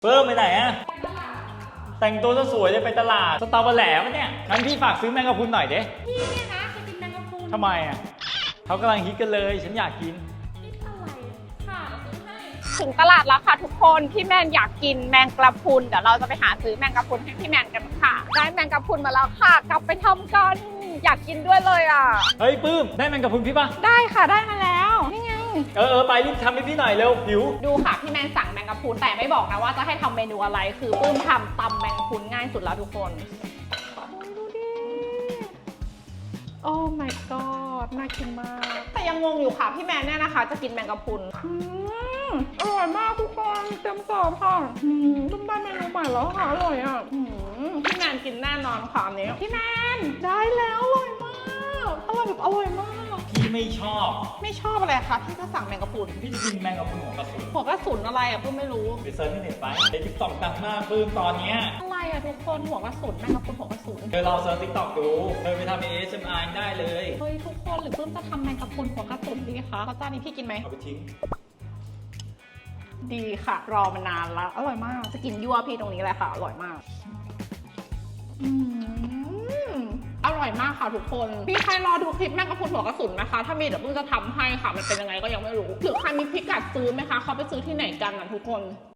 เพิ่มไปไหนอะแต่งตัวสวยเลยไปตลาดสตอเบอร์แหลมเนี่ยงั้นพี่ฝากซื้อแมงกะพรุนหน่อยเด้พี่เนี่ยนะจะกินแมงกะพรุนทำไมอะเขากำลังฮิตกันเลยฉันอยากกินอะไรค่ะซื้อให้ถึงตลาดแล้วค่ะทุกคนพี่แมนอยากกินแมงกะพรุนเดี๋ยวเราจะไปหาซื้อแมงกะพรุนให้พี่แมนกันค่ะได้แมงกะพรุนมาแล้วค่ะกลับไปทำกันอยากกินด้วยเลยอ่ะเฮ้ยปื้มได้แมงกะพรุนพี่ปะได้ค่ะได้มาแล้วนี่ไงไปรีบทำให้พี่หน่อยเร็วหิวดูค่ะพี่แมนสั่งแมงกะพรุนแต่ไม่บอกนะว่าจะให้ทำเมนูอะไรคือปื้มทำตำแมงกะพรุนง่ายสุดแล้วทุกคนดูดิโอ้ my god น่ากินมากแต่ยังงงอยู่ค่ะพี่แมนเนี่ยนะคะจะกินแมงกะพรุนอร่อยมากทุกคนเต็มสอบค่ะต้มได้เมนูใหม่แล้วค่ะอร่อยอ่ะพี่แมนกินแน่นอนค่ะอันนี้พี่แมนได้แล้วอร่อยมากอร่อยแบบอร่อยมากพี่ไม่ชอบอะไรคะพี่ก็สั่งแมงกะพรุนพี่จะกินแมงกะพรุนหัวกระสุนหัวกระสุนอะไรอ่ะปื้มไม่รู้ไปเซิร์ชในเน็ตไปในทิกตอกดังมากปื้มตอนเนี้ยอะไรอ่ะทุกคนหัวกระสุนแมงกะพรุนหัวกระสุนลองเซิร์ชทิกตอกดูไปทำ ASMR ได้เลยเฮ้ยทุกคนหรือปื้มจะทำแมงกะพรุนหัวกระสุนดีคะเพราะจานนี้พี่กินไหมเอาไปทิ้งดีค่ะรอมานานแล้วอร่อยมากจะกินยั่วพี่ตรงนี้เลยค่ะอร่อยมากอร่อยมากค่ะทุกคนพี่ใครรอดูคลิปแมงกะพรุนหัวกระสุนนะคะถ้ามีเดี๋ยวปื้มจะทำให้ค่ะมันเป็นยังไงก็ยังไม่รู้หรือใครมีพิกัดซื้อไหมคะเขาไปซื้อที่ไหนกันนะทุกคน